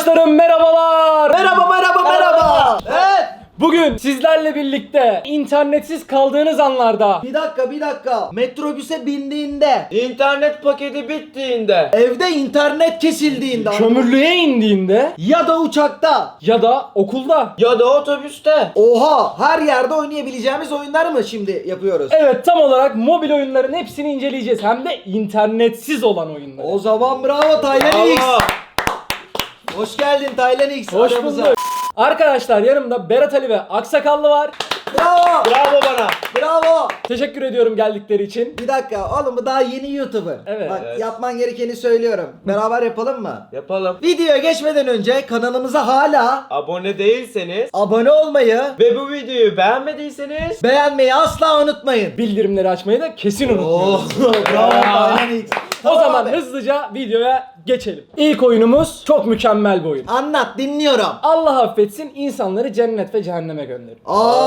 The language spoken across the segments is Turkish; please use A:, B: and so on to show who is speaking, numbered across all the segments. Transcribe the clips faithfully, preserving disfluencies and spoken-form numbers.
A: Arkadaşlarım merhabalar.
B: Merhaba merhaba merhaba. Evet.
A: Bugün sizlerle birlikte internetsiz kaldığınız anlarda
B: Bir dakika bir dakika. Metrobüse bindiğinde,
C: İnternet paketi bittiğinde,
B: evde internet kesildiğinde
A: kömürlüğe indiğinde
B: ya da uçakta.
A: ya da okulda.
C: ya da otobüste.
B: Oha, her yerde oynayabileceğimiz oyunlar mı şimdi yapıyoruz?
A: Evet, tam olarak mobil oyunların hepsini inceleyeceğiz. Hem de internetsiz olan oyunları.
B: O zaman bravo Taylan X.
C: Bravo.
B: Hoş geldin Taylan X.
A: Hoş
B: aramıza.
A: bulduk. Arkadaşlar, yanımda Berat Ali ve Aksakallı var.
B: Bravo.
C: Bravo bana.
B: Bravo.
A: Teşekkür ediyorum geldikleri için.
B: Bir dakika oğlum, bu daha yeni YouTuber.
A: Evet.
B: Bak
C: Evet.
B: yapman gerekeni söylüyorum. Beraber yapalım mı?
C: Yapalım.
B: Videoya geçmeden önce kanalımıza hala
C: Abone değilseniz
B: abone olmayı,
C: ve bu videoyu beğenmediyseniz
B: beğenmeyi asla unutmayın.
A: Bildirimleri açmayı da kesin
B: Oh,
A: unutmayın.
B: bravo
A: Ya.
B: Taylan X.
A: O
B: Tamam
A: zaman
B: abi.
A: hızlıca videoya geçelim. İlk oyunumuz çok mükemmel bir oyun.
B: Anlat, dinliyorum.
A: Allah affetsin, insanları cennet ve cehenneme gönderir.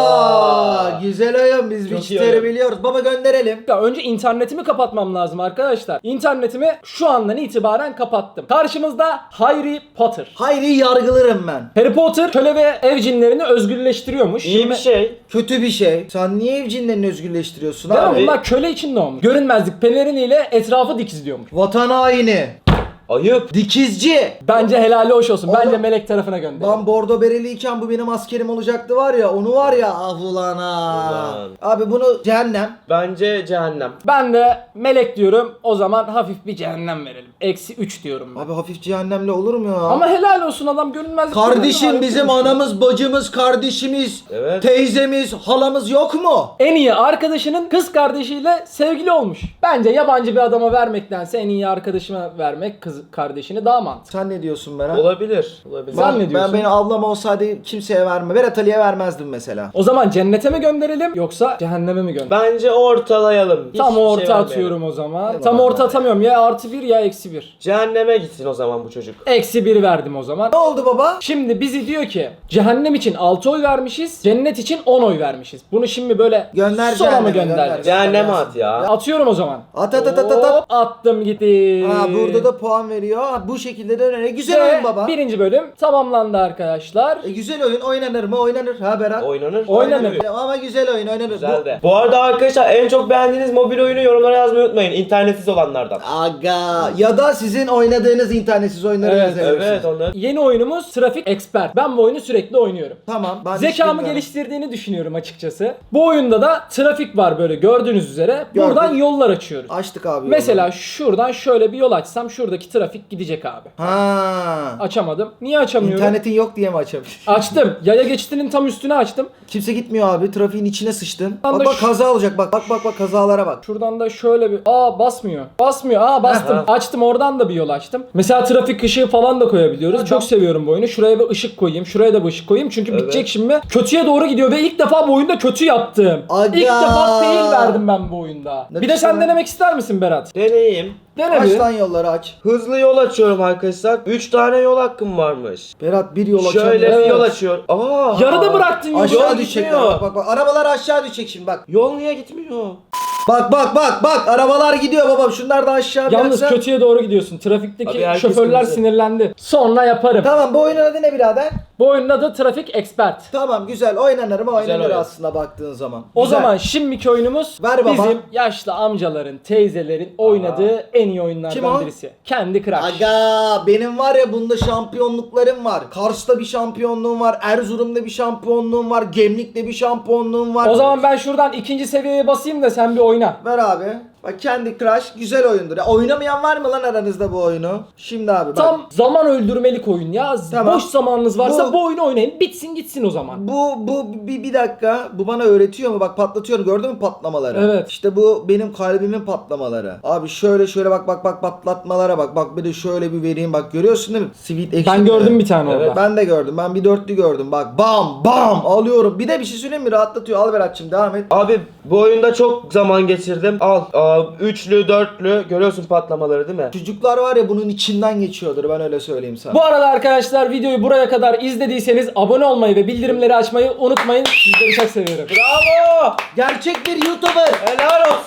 B: Aa, güzel oyun, biz
C: Çok iyi
B: Witcher'ı
C: oyun.
B: biliyoruz. Baba gönderelim.
A: Ya önce internetimi kapatmam lazım arkadaşlar. İnternetimi şu andan itibaren kapattım. Karşımızda Harry Potter.
B: Hayri yargılarım ben.
A: Harry Potter köle ve ev cinlerini özgürleştiriyormuş.
C: iyi bir
A: Şimdi-
C: şey.
B: Kötü bir şey. Sen niye ev cinlerini özgürleştiriyorsun
A: Değil mi?
B: abi?
A: Bunlar köle için doğmuş. Görünmezlik peleriniyle etrafı dikizliyormuş.
B: Vatan haini.
C: Ayıp.
B: Dikizci.
A: Bence helali hoş olsun.
B: Oğlum,
A: Bence melek tarafına gönder.
B: Ben bordo bereliyken bu benim askerim olacaktı var ya, onu var ya, ah ulan ha.
C: Ulan.
B: Abi bunu cehennem.
C: Bence cehennem.
A: Ben de melek diyorum. O zaman hafif bir cehennem verelim. Eksi üç diyorum ben.
B: Abi hafif cehennemle olur mu ya?
A: Ama helal olsun, adam görünmezlik
B: Kardeşim,
A: pelerini
B: bizim
A: var.
B: anamız, bacımız, kardeşimiz,
C: Evet.
B: teyzemiz, halamız yok mu?
A: En iyi arkadaşının kız kardeşiyle sevgili olmuş. Bence yabancı bir adama vermektense en iyi arkadaşıma vermek kız kardeşini daha mantıklı.
B: Sen ne diyorsun Berat?
C: Olabilir. Olabilir.
A: Sen
B: Ben,
A: ne diyorsun?
B: ben benim ablam olsaydı kimseye verme. Berat Ali'ye vermezdim mesela.
A: O zaman cennete mi gönderelim yoksa cehenneme mi gönderelim?
C: Bence ortalayalım. Hiç
A: Tam
C: şey
A: orta
C: vermeyelim.
A: atıyorum o zaman.
B: Hadi
A: Tam
B: bakalım.
A: orta atamıyorum, ya artı bir ya eksi bir.
C: Cehenneme gitsin o zaman bu çocuk.
A: Eksi bir verdim o zaman.
B: Ne oldu baba?
A: Şimdi bizi diyor ki cehennem için altı oy vermişiz, cennet için on oy vermişiz. Bunu şimdi böyle
B: Gönder
A: sola mı
B: cehenneme,
A: göndereceğiz?
B: gönder.
C: Cehenneme at ya.
A: Atıyorum o zaman.
B: At at at at at. at.
A: Hop, attım gitti.
B: Ha, burada da puan veriyor. Ha, bu şekilde de öyle. Güzel
A: Ve
B: oyun baba.
A: birinci bölüm tamamlandı arkadaşlar.
B: E, güzel oyun. Oynanır mı? Oynanır. Ha Berat?
C: Oynanır.
A: Oynanır.
B: Ama güzel oyun. Oynanır.
C: Güzel de. Bu arada arkadaşlar, en çok beğendiğiniz mobil oyunu yorumlara yazmayı unutmayın. İnternetsiz olanlardan.
B: Bu... Aga. Ya da sizin oynadığınız internetsiz oyunları
A: Evet,
B: yazabilirsiniz.
C: Evet onlar.
A: Yeni oyunumuz Trafik Expert. Ben bu oyunu sürekli oynuyorum.
B: Tamam. Ben hiç
A: Zekamı
B: bilmiyorum.
A: geliştirdiğini düşünüyorum açıkçası. Bu oyunda da trafik var böyle gördüğünüz üzere.
B: Gördük.
A: Buradan yollar açıyoruz.
B: Açtık abi.
A: Mesela
B: yolu.
A: şuradan şöyle bir yol açsam şuradaki trafik gidecek abi.
B: Ha.
A: Açamadım. Niye açamıyorum?
B: İnternetin yok diye mi açabilir?
A: Açtım. Yaya geçidinin tam üstüne açtım.
B: Kimse gitmiyor abi. Trafiğin içine sıçtın.
A: Ben
B: Bak
A: de
B: bak
A: şu-
B: kaza olacak. Bak bak bak bak kazalara bak.
A: Şuradan da şöyle bir... Aa basmıyor. Basmıyor. Aa bastım.
C: Aha.
A: Açtım, oradan da bir yol açtım. Mesela trafik ışığı falan da koyabiliyoruz. Çok seviyorum bu oyunu. Şuraya bir ışık koyayım. Şuraya da bir ışık koyayım. Çünkü
C: Evet.
A: bitecek şimdi. Kötüye doğru gidiyor ve ilk defa bu oyunda kötü yaptım.
B: Aga.
A: İlk defa fail verdim ben bu oyunda.
B: Ne
A: bir de
B: güzel.
A: sen denemek ister misin Berat?
C: Deneyeyim.
A: Dene
B: Aç
A: bir.
B: lan yolları aç.
C: Hızlı yol açıyorum arkadaşlar. üç tane yol hakkım varmış.
B: Berat bir yol
C: Şöyle
B: açamıyor.
A: Evet.
C: bir yol açıyor. Aa!
A: Yarıda bıraktın yolu.
B: Aşağı
C: Yol
B: düşecekler.
C: gitmiyor.
B: Bak bak bak. Arabalar aşağı düşecek şimdi bak.
C: Yol niye gitmiyor?
B: Bak bak bak bak. Arabalar gidiyor babam. Şunlar da aşağı
A: Yalnız
B: bıraksa-
A: kötüye doğru gidiyorsun. Trafikteki
C: Abi herkes
A: şoförler
C: kırmızı.
A: sinirlendi. Sonra yaparım.
B: Tamam, bu oyunun adı ne birader?
A: Bu oyunun adı Trafik Expert.
B: Tamam, güzel oynanır mı? Oynanır
C: oyun.
B: aslında baktığın zaman.
A: O
B: Güzel.
A: zaman şimdiki oyunumuz
B: Ver baba.
A: bizim yaşlı amcaların, teyzelerin oynadığı en iyi oyunlardan
B: Kim o?
A: birisi. Kendi Crush.
B: Aga, benim var ya bunda şampiyonluklarım var. Kars'ta bir şampiyonluğum var. Erzurum'da bir şampiyonluğum var. Gemlik'te bir şampiyonluğum var.
A: O zaman ben şuradan ikinci seviyeye basayım da sen bir oyna.
B: Ver abi. Bak, Candy Crush güzel oyundur. Ya, oynamayan var mı lan aranızda bu oyunu? Şimdi abi bak.
A: Tam zaman öldürmelik oyun ya.
B: Tamam.
A: Boş zamanınız varsa
B: Bu-
A: bu, oyunu oynayın. Bitsin gitsin o zaman.
B: Bu bu bir, bir dakika. Bu bana öğretiyor mu? Bak patlatıyorum. Gördün mü patlamaları?
A: Evet.
B: İşte bu benim kalbimin patlamaları. Abi şöyle şöyle bak bak bak patlatmalara bak. Bak bir de şöyle bir vereyim. Bak görüyorsun değil mi? Sweet action.
A: Ben gördüm bir tane
C: Evet.
A: orada.
B: Ben de gördüm. Ben bir dörtlü gördüm. Bak bam bam alıyorum. Bir de bir şey söyleyeyim mi? Rahatlatıyor. Al Berat'cığım, devam et.
C: Abi bu oyunda çok zaman geçirdim. Al. Aa, üçlü, dörtlü. Görüyorsun patlamaları değil mi?
B: Çocuklar var ya bunun içinden geçiyordur. Ben öyle söyleyeyim sana.
A: Bu arada arkadaşlar, videoyu buraya kadar izlediyseniz abone olmayı ve bildirimleri açmayı unutmayın. Sizleri çok seviyorum.
C: Bravo!
B: Gerçek bir YouTuber.
C: Helal olsun.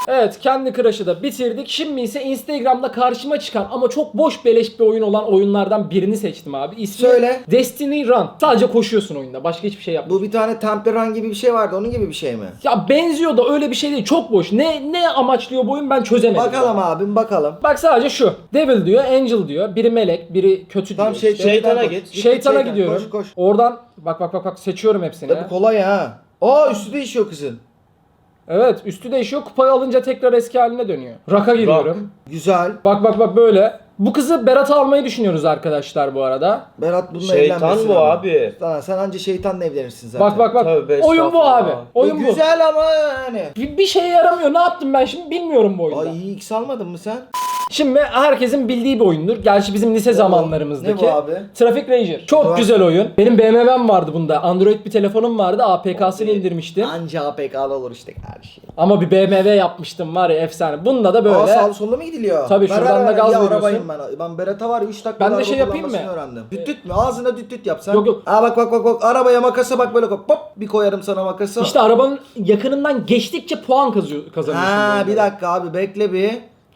A: Evet, kendi Crush'ı da bitirdik. Şimdi ise Instagram'da karşıma çıkan ama çok boş beleş bir oyun olan oyunlardan birini seçtim abi. İsmi
B: Söyle.
A: Destiny Run. Sadece koşuyorsun oyunda. Başka hiçbir şey yapmıyorsun.
B: Bu bir tane Temple Run gibi bir şey vardı. Onun gibi bir şey mi?
A: Ya benziyor da öyle bir şey değil. Çok boş. Ne ne amaçlıyor bu oyun ben çözemedim.
B: Bakalım
A: ya.
B: abim bakalım.
A: Bak sadece şu. Devil diyor, Angel diyor. Biri melek, biri kötü
B: Tamam
A: diyor.
B: şey,
A: işte.
C: Şeytana
B: koş.
C: git.
A: Şeytana
B: Şeytan,
A: gidiyorum.
B: Koş koş.
A: Oradan bak bak bak bak seçiyorum hepsini.
B: Tabii kolay ha. Aa üstü değişiyor kızın.
A: Evet, üstü değişiyor. Kupayı alınca tekrar eski haline dönüyor. Rock'a giriyorum.
B: Güzel.
A: Bak bak bak böyle. Bu kızı Berat'a almayı düşünüyoruz arkadaşlar bu arada.
B: Berat bununla
C: Şeytan
B: evlenmesin
C: bu
B: ama.
C: abi.
B: Lan sen anca şeytanla evlenirsin zaten.
A: Bak bak bak.
C: Tövbe
A: Oyun bu
C: estağfurullah.
A: abi. Oyun
B: Bu
A: bu.
B: güzel ama yani.
A: Bir, bir şeye yaramıyor. Ne yaptım ben şimdi bilmiyorum bu oyunda.
B: Ay iyi X almadın mı sen?
A: Şimdi herkesin bildiği bir oyundur. Gerçi bizim lise zamanlarımızdaki.
B: Ne bu abi?
A: Traffic Ranger. Çok
B: Var.
A: güzel oyun. Benim B M W'm vardı bunda. Android bir telefonum vardı. A P K'sını indirmiştim.
B: Anca A P K'lı olur işte her şey.
A: Ama bir B M W yapmıştım var ya efsane. Bunda da böyle.
B: Aa sağlı sollu mu gidiliyor?
A: Tabii,
B: Ver,
A: şuradan
B: ver,
A: da
B: ver.
A: gaz
B: Ya
A: veriyorsun.
B: arabayım ben. Ben Berat'a var ya üç dakika
A: Ben de şey yapayım mı?
B: öğrendim. Düt düt mü? Ağzına düt düt yap sen.
A: Yok, yok.
B: Aa bak bak bak bak arabaya makasa bak böyle hop hop bir koyarım sana makası.
A: İşte arabanın yakınından geçtikçe puan kazıyor, kazanıyorsun. bu
B: Ha
A: oyunda.
B: bir dakika abi bekle bir.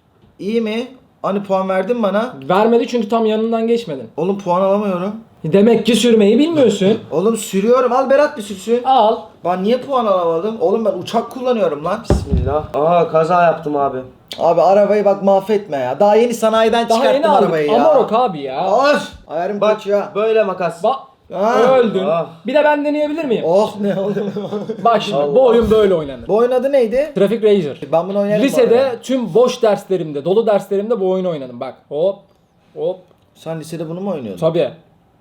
B: İyi mi? Hani puan verdin bana?
A: Vermedi çünkü tam yanından geçmedin.
B: Oğlum puan alamıyorum.
A: Demek ki sürmeyi bilmiyorsun.
B: Oğlum sürüyorum. Al Berat bir sürsün.
A: Al.
B: Ben niye puan alamadım? Oğlum ben uçak kullanıyorum lan.
C: Bismillah. Aa kaza yaptım abi.
B: Abi arabayı bak mahvetme ya. Daha yeni sanayiden
A: Daha yeni
B: çıkarttım
A: aldık.
B: arabayı ya.
A: Amarok abi ya.
B: Of! Ayarım
C: Bak
B: kaçıyor.
C: böyle makas.
A: Bak.
B: Ha.
A: Öldün.
C: Ah.
A: Bir de ben deneyebilir miyim?
B: Oh ne oldu?
A: Bak şimdi
C: Allah.
A: bu oyun böyle oynanır.
B: Bu oyun adı neydi?
A: Traffic Ranger.
B: Ben bunu oynarım bu
A: Lisede
B: arada.
A: tüm boş derslerimde, dolu derslerimde bu oyunu oynadım. Bak hop hop.
B: Sen lisede bunu mu oynuyordun?
A: Tabii.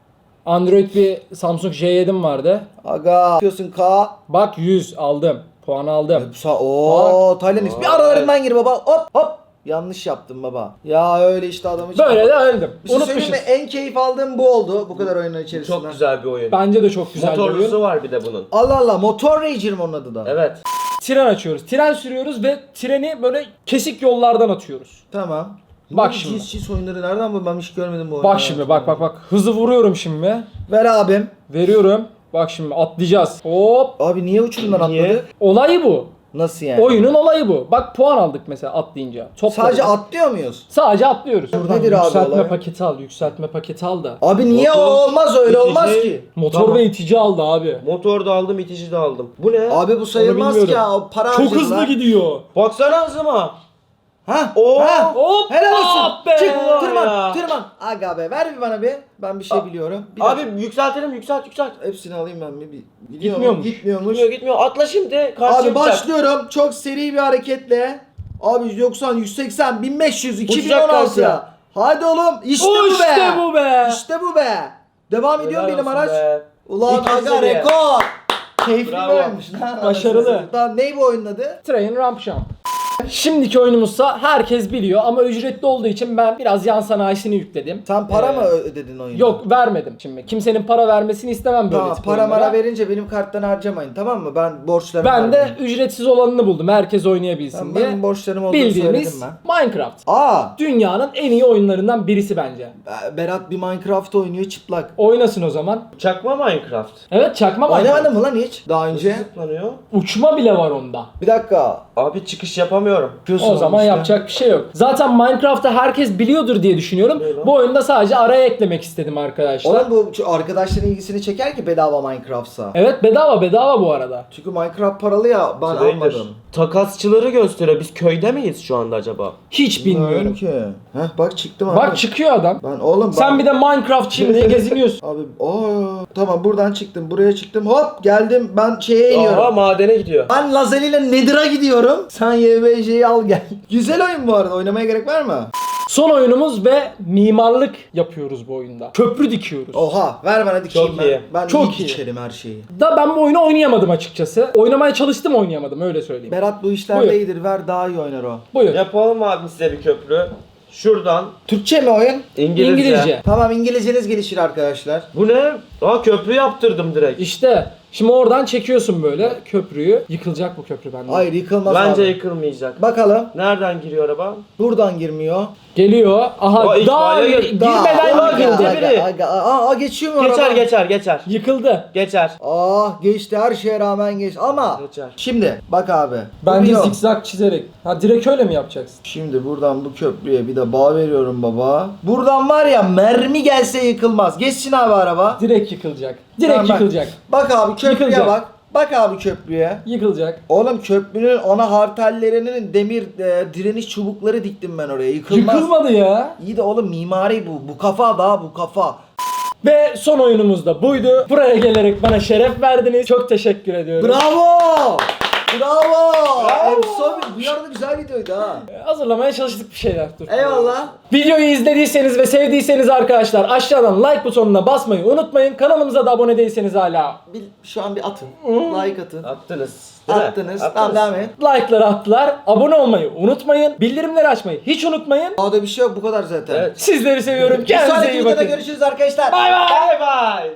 A: Android bir Samsung J yedi'm vardı.
B: Aga. Yapıyorsun K.
A: Bak yüz aldım. Puan aldım.
B: Sa Oo Taylandix. Bir aralarından gir baba. Hop hop. Yanlış yaptım baba. Ya öyle işte adamı
A: Böyle de öldüm.
B: Bir şey söyleyeyim
A: Unutmuşuz.
B: mi? En keyif aldığım bu oldu. Bu kadar oyunun içerisinde.
C: Çok güzel bir oyun.
A: Bence de çok güzel bir oyun.
C: Motorlusu var bir de bunun.
B: Allah Allah. Motor Ranger mi onun adı da?
C: Evet.
A: Tren açıyoruz. Tren sürüyoruz ve treni böyle kesik yollardan atıyoruz.
B: Tamam.
A: Bak
B: Bu
A: şimdi.
B: Cins cins oyunları nereden bu? Ben hiç görmedim bu oyunu.
A: Bak şimdi bak bak bak. Hızı vuruyorum şimdi.
B: Ver abim.
A: Veriyorum. Bak şimdi atlayacağız. Hop.
B: Abi niye uçurumdan
C: Niye?
B: atladı?
A: Olayı bu.
B: Nasıl yani?
A: Oyunun olayı bu. Bak puan aldık mesela atlayınca. Topladık.
B: Sadece atlıyor muyuz?
A: Sadece atlıyoruz.
B: Nedir abi
A: yükseltme
B: olay?
A: paketi al, yükseltme paketi al da.
B: Abi niye
C: Motor,
B: o olmaz öyle
C: itici.
B: olmaz ki?
A: Motor
C: Tamam.
A: ve itici aldı abi.
C: Motor da aldım, itici de aldım. Bu ne?
B: Abi bu sayılmaz ki
A: bilmiyorum.
B: ya. O para
A: Çok hızlı
B: harcadılar.
A: gidiyor.
C: Baksana hızıma.
B: Ha?
C: Oo.
B: Ha?
A: Hop.
B: Helal olsun.
A: ah be.
B: Çık
C: Vay
B: tırman
C: ya.
B: tırman. Aga be ver bir bana bir. Ben bir şey
C: A-
B: biliyorum. Bir
C: Abi
B: dakika.
C: yükseltelim, yükselt, yükselt.
B: Hepsini alayım ben bir. bir. Gidiyor
A: Gitmiyormuş.
B: mu? Gitmiyormuş.
C: Gitmiyor, gitmiyor. Atla şimdi. Karşı
B: Abi başlıyorum. Çok seri bir hareketle. Abi doksan, yüz seksen, bin beş yüz, iki bin on
C: Uçacak
B: altı.
C: kanka.
B: Hadi oğlum. İşte
A: O
B: bu be.
A: işte bu be.
B: İşte bu be. Devam ediyor benim araç. Ulan
C: İkinci
B: aga
C: seviye.
B: rekor. Keyifli
C: Bravo.
B: böyleymiş lan.
A: Başarılı.
B: Tamam ney bu oyunun adı?
A: Train Ramp Jump. Şimdiki oyunumuzsa herkes biliyor ama ücretli olduğu için ben biraz yan sanayisini yükledim.
B: Sen para
A: Ee,
B: mı ödedin oyunu?
A: Yok vermedim şimdi. Kimsenin para vermesini istemem böyle
B: Tamam
A: tip
B: para
A: oyunlara.
B: mara verince benim karttan harcamayın tamam mı? Ben borçlarımı
A: Ben de
B: vermeyeyim.
A: ücretsiz olanını buldum. Herkes oynayabilsin
B: Tamam,
A: diye.
B: benim borçlarım olduğunu söyledim
A: Bildiğimiz
B: ben.
A: Minecraft.
B: Aa
A: Dünyanın en iyi oyunlarından birisi bence.
B: Berat bir Minecraft oynuyor çıplak.
A: Oynasın o zaman.
C: Çakma Minecraft.
A: Evet çakma Minecraft.
B: Oynamadın mı lan hiç daha önce?
C: Zıplanıyor.
A: Uçma bile var onda.
B: Bir dakika.
C: Abi çıkış yapamıyorum.
B: Yapıyorsun
A: O zaman
B: işte.
A: yapacak bir şey yok. Zaten Minecraft'ta herkes biliyordur diye düşünüyorum.
C: Ne lan?
A: Bu oyunda sadece araya eklemek istedim arkadaşlar.
B: Oğlum bu şu arkadaşların ilgisini çeker ki bedava Minecraft'sa.
A: Evet bedava bedava bu arada.
B: Çünkü Minecraft paralı ya ben
C: Trader.
B: almadım.
C: Takasçıları gösteriyor. Biz köyde miyiz şu anda acaba?
A: Hiç bilmiyorum.
B: ki. Heh bak çıktım abi.
A: Bak çıkıyor adam.
B: Ben oğlum
A: Sen
B: ben...
A: bir de Minecraftçıyım diye geziniyorsun.
B: Abi ooo tamam buradan çıktım buraya çıktım hop geldim ben şeye iniyorum.
C: Aa madene gidiyor.
B: Ben Lazeli ile Nether'a gidiyorum. Sen Y B J'yi al gel. Güzel oyun bu arada. Oynamaya gerek var mı?
A: Son oyunumuz ve mimarlık yapıyoruz bu oyunda. Köprü dikiyoruz.
B: Oha ver bana dikeyim
C: Çok
B: ben.
C: iyi.
B: Ben
A: Çok
B: iyi
A: iyi.
B: dikerim her şeyi.
A: Da ben bu oyunu oynayamadım açıkçası. Oynamaya çalıştım oynayamadım öyle söyleyeyim.
B: Berat bu işlerde
A: Buyur.
B: iyidir. Ver daha iyi oynar o.
A: Buyur.
C: Yapalım abi size bir köprü. Şuradan
B: Türkçe mi oyun?
C: İngilizce.
A: İngilizce.
B: Tamam İngilizceniz gelişir arkadaşlar.
C: Bu ne? Aa köprü yaptırdım direkt.
A: İşte Şimdi oradan çekiyorsun böyle köprüyü. Yıkılacak bu köprü bende.
B: Hayır yıkılmaz
C: Bence
B: abi.
C: yıkılmayacak.
B: Bakalım.
C: Nereden giriyor araba?
B: Buradan girmiyor.
A: Geliyor. Aha
C: O ilk
A: daha
C: böyle
A: gir-
C: gir-
A: girmeden
C: Daha-
A: yıkıldı.
C: girdi
B: Aga,
C: biri.
B: aga, aga. Aa geçiyor mu
C: Geçer
B: araba?
C: geçer geçer.
A: Yıkıldı.
C: Geçer.
B: Ah geçti, her şeye rağmen geçti ama
C: Geçer.
B: şimdi bak abi.
A: Bence
B: Vuruyor.
A: zikzak çizerek. Ha direkt öyle mi yapacaksın?
B: Şimdi buradan bu köprüye bir de bağ veriyorum baba. Buradan var ya mermi gelse yıkılmaz. Geçsin abi araba.
A: Direkt yıkılacak. Direkt
B: Tamam, bak.
A: yıkılacak.
B: Bak abi köprüye
A: Yıkılacak.
B: bak. Bak abi köprüye.
A: Yıkılacak.
B: Oğlum köprünün ana hartellerinin demir e, direniş çubukları diktim ben oraya. Yıkılmaz.
A: Yıkılmadı ya.
B: İyi de oğlum mimari bu. Bu kafa daha bu kafa.
A: Ve son oyunumuz da buydu. Buraya gelerek bana şeref verdiniz. Çok teşekkür ediyorum.
B: Bravo! Bravo!
C: Bravo!
B: Efsane. Bu arada güzel videoydu ha.
A: Hazırlamaya çalıştık bir şeyler. Dur.
B: Eyvallah.
A: Videoyu izlediyseniz ve sevdiyseniz arkadaşlar aşağıdan like butonuna basmayı unutmayın. Kanalımıza da abone değilseniz hala
B: Bir, şu an bir atın. Like atın.
C: Attınız. Değil mi?
B: Attınız. Tamam devam et.
A: like'ları attılar. Abone olmayı unutmayın. Bildirimleri açmayı hiç unutmayın.
B: Daha da bir şey yok, bu kadar zaten.
C: Evet.
A: Sizleri seviyorum.
B: Bir
A: Kendinize
B: sonraki
A: iyi
B: videoda
A: bakın.
B: görüşürüz arkadaşlar.
A: Bay bay.
C: Bay bay.